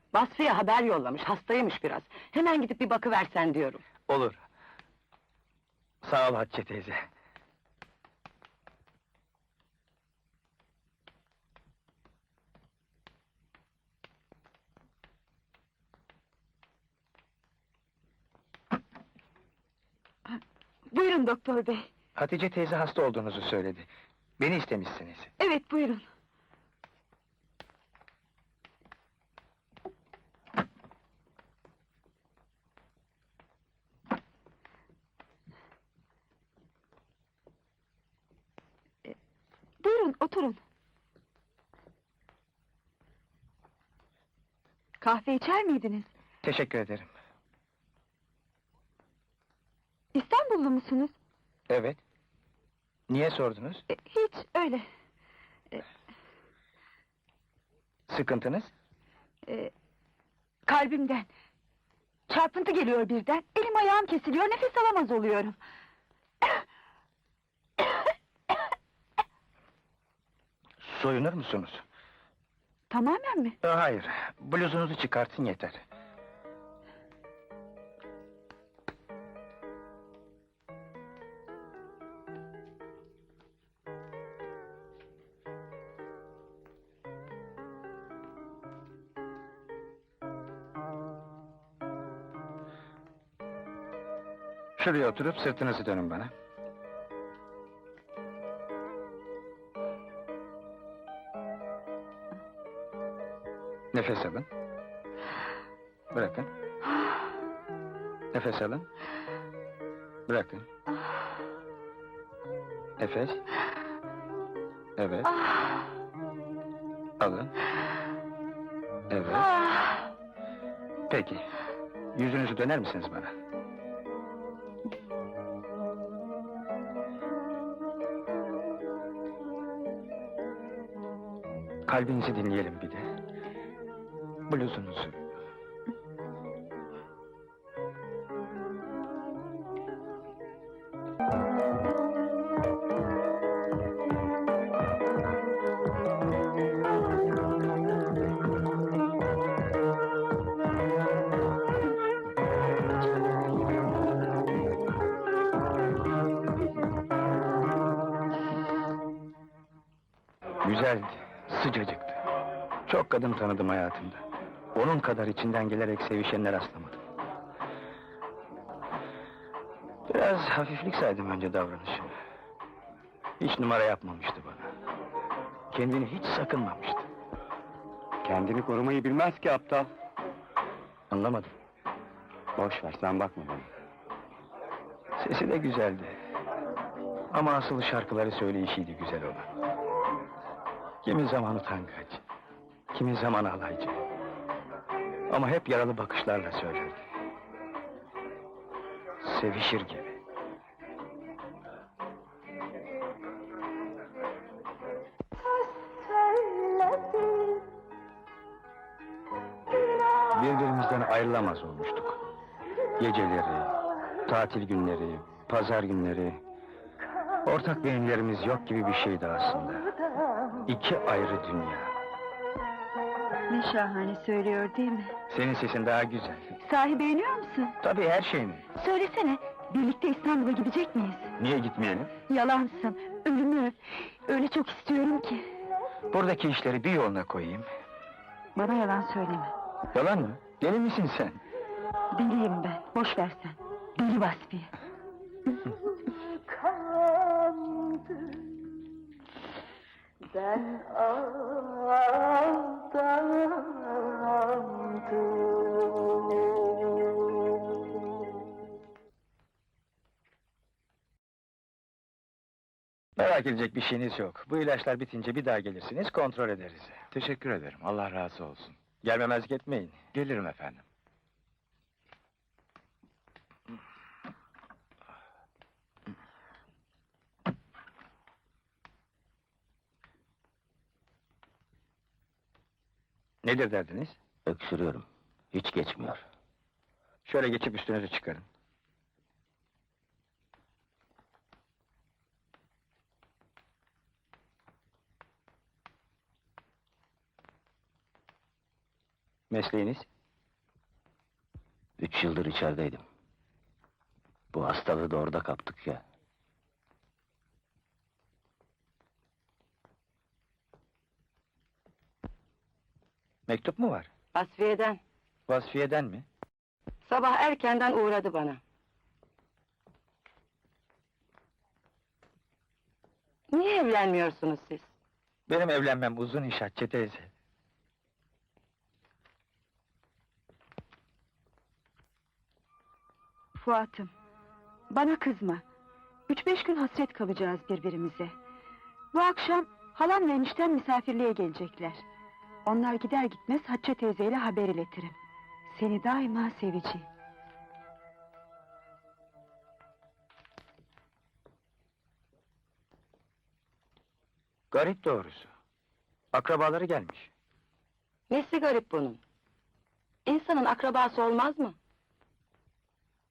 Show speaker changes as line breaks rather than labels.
Vasfiye haber yollamış, hastaymış biraz. Hemen gidip bir bakıversen diyorum.
Olur. Sağ ol Hatice teyze.
Buyurun doktor bey.
Hatice teyze hasta olduğunuzu söyledi. Beni istemişsiniz.
Evet, buyurun. Buyurun, oturun. Kahve içer miydiniz?
Teşekkür ederim.
İstanbullu musunuz?
Evet. Niye sordunuz?
Hiç, öyle.
Sıkıntınız?
Kalbimden. Çarpıntı geliyor birden, elim ayağım kesiliyor, nefes alamaz oluyorum.
Soyunur musunuz?
Tamamen mi?
Hayır, bluzunuzu çıkartın yeter. Şuraya oturup sırtınızı dönün bana. Nefes alın. Bırakın. Nefes alın. Bırakın. Nefes. Evet. Alın. Evet. Peki. Yüzünüzü döner misiniz bana? Kalbinizi dinleyelim bir de. Bluzunuzu. Güzeldi, sıcacıktı. Çok kadın tanıdım hayatımda. Onun kadar içinden gelerek sevişenler rastlamadım. Biraz hafiflik saydım önce davranışını. Hiç numara yapmamıştı bana. Kendini hiç sakınmamıştı.
Kendini korumayı bilmez ki aptal.
Anlamadım.
Boş ver, sen bakma bana.
Sesi de güzeldi. Ama asıl şarkıları söyleyişiydi güzel olan. Kimi zaman utangaç, kimi zaman alaycı. Ama hep yaralı bakışlarla söylerdi. Sevişir gibi. Birbirimizden ayrılamaz olmuştuk. Geceleri, tatil günleri, pazar günleri... Ortak beyinlerimiz yok gibi bir şeydi aslında. İki ayrı dünya.
Ne şahane söylüyor değil mi?
Senin sesin daha güzel.
Sahi beğeniyor musun?
Tabii her şeyini.
Söylesene, birlikte İstanbul'a gidecek miyiz?
Niye gitmeyelim?
Yalansın, ölümü öp. Öyle çok istiyorum ki.
Buradaki işleri bir yoluna koyayım.
Bana yalan söyleme.
Yalan mı? Deli misin sen?
Deliyim ben, boş ver sen. Deli Vasfiye.
Ben aldandım.
Merak edecek bir şeyiniz yok. Bu ilaçlar bitince bir daha gelirsiniz, kontrol ederiz.
Teşekkür ederim, Allah razı olsun.
Gelmemezlik etmeyin.
Gelirim efendim.
Nedir derdiniz?
Öksürüyorum. Hiç geçmiyor.
Şöyle geçip üstünüzü çıkarın. Mesleğiniz?
3 yıldır içerideydim. Bu hastalığı da orada kaptık ya.
Mektup mu var?
Vasfiye'den.
Vasfiye'den mi?
Sabah erkenden uğradı bana. Niye evlenmiyorsunuz siz?
Benim evlenmem uzun iş Hatice teyze.
Fuat'ım, bana kızma. 3-5 gün hasret kalacağız birbirimize. Bu akşam halam ve eniştem misafirliğe gelecekler. Onlar gider gitmez Hatice teyzeyle haber iletirim. Seni daima seveceğim.
Garip doğrusu. Akrabaları gelmiş.
Nesi garip bunun? İnsanın akrabası olmaz mı?